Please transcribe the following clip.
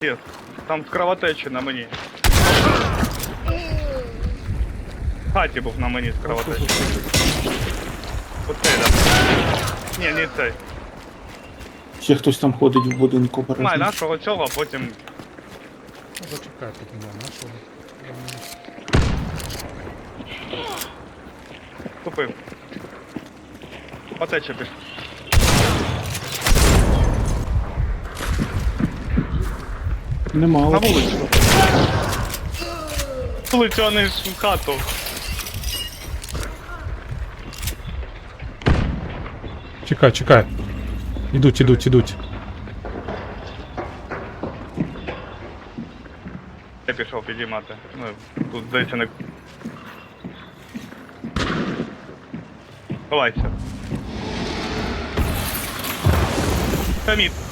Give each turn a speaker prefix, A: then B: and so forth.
A: Є. Там кровотечі на мені. В хаті був на мені з кровотечі. Оцей, так. Ні, не цей.
B: Ще хтось там ходить в будинку
A: Май
B: бережно.
A: нашого цього, а потім...
C: Ну, зачекай, тут немає нашого.
A: Купив. Потече пішов.
B: Нема.
A: На
B: от.
A: вулицю. Вулицю, а не ж в хату.
C: Чекай, чекай. Ідуть.
A: Я пішов підіймати. Ну, тут здається не... Ховайся. Хамід.